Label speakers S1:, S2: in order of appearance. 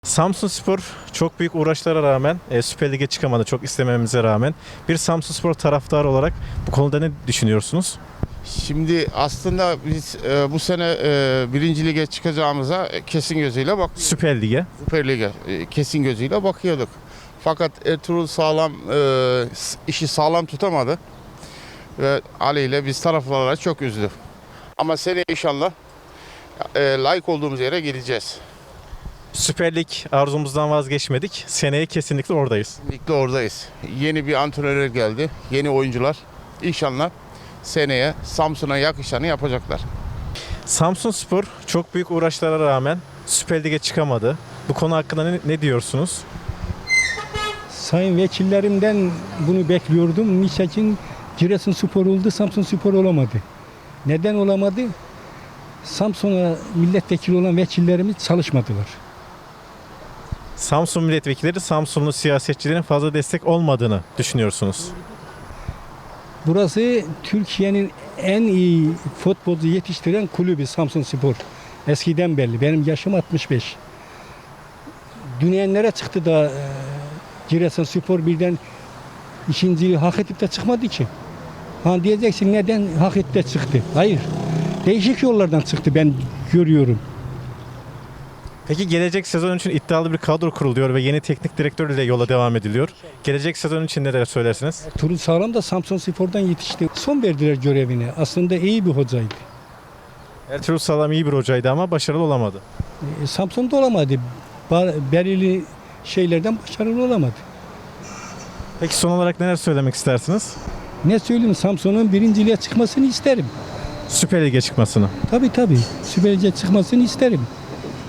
S1: Samsunspor çok büyük uğraşlara rağmen Süper Lig'e çıkamadı, çok istememize rağmen. Bir Samsunspor taraftarı olarak bu konuda ne düşünüyorsunuz?
S2: Şimdi aslında biz bu sene birinci lige çıkacağımıza kesin gözüyle
S1: Süper Lig'e.
S2: Süper Lig'e kesin gözüyle bakıyorduk. Fakat Ertuğrul işi sağlam tutamadı ve Ali ile biz taraftarlara çok üzdü. Ama seneye inşallah layık olduğumuz yere gideceğiz.
S1: Süper Lig arzumuzdan vazgeçmedik. Seneye kesinlikle oradayız.
S2: Ligde oradayız. Yeni bir antrenör geldi, yeni oyuncular. İnşallah seneye Samsun'a yakışanı yapacaklar.
S1: Samsunspor çok büyük uğraşlara rağmen Süper Lig'e çıkamadı. Bu konu hakkında ne diyorsunuz?
S3: Sayın vekillerimden bunu bekliyordum. Niçin Giresunspor oldu, Samsunspor olamadı? Neden olamadı? Samsun'a milletvekili olan vekillerimiz çalışmadılar.
S1: Samsun milletvekilleri Samsunlu siyasetçilerin fazla destek olmadığını düşünüyorsunuz.
S3: Burası Türkiye'nin en iyi futbolcu yetiştiren kulübü Samsunspor. Eskiden belli. Benim yaşım 65. Dünyanın çıktı da Giresunspor birden ikinciyi hak edip de çıkmadı ki. Ha diyeceksin neden hak edip de çıktı? Hayır. Değişik yollardan çıktı ben görüyorum.
S1: Peki gelecek sezon için iddialı bir kadro kuruluyor ve yeni teknik direktör ile yola devam ediliyor. Gelecek sezon için neler söylersiniz?
S3: Turul Sağlam da Samsunspor'dan yetişti. Son verdiler görevine. Aslında iyi bir hocaydı.
S1: Ertuğrul Sağlam iyi bir hocaydı ama başarılı olamadı.
S3: Samsun'da olamadı. Belirli şeylerden başarılı olamadı.
S1: Peki son olarak neler söylemek istersiniz?
S3: Ne söyleyeyim, Samsun'un birinciliğe çıkmasını isterim.
S1: Süper Lig'e çıkmasını.
S3: Tabii. Süper Lig'e çıkmasını isterim.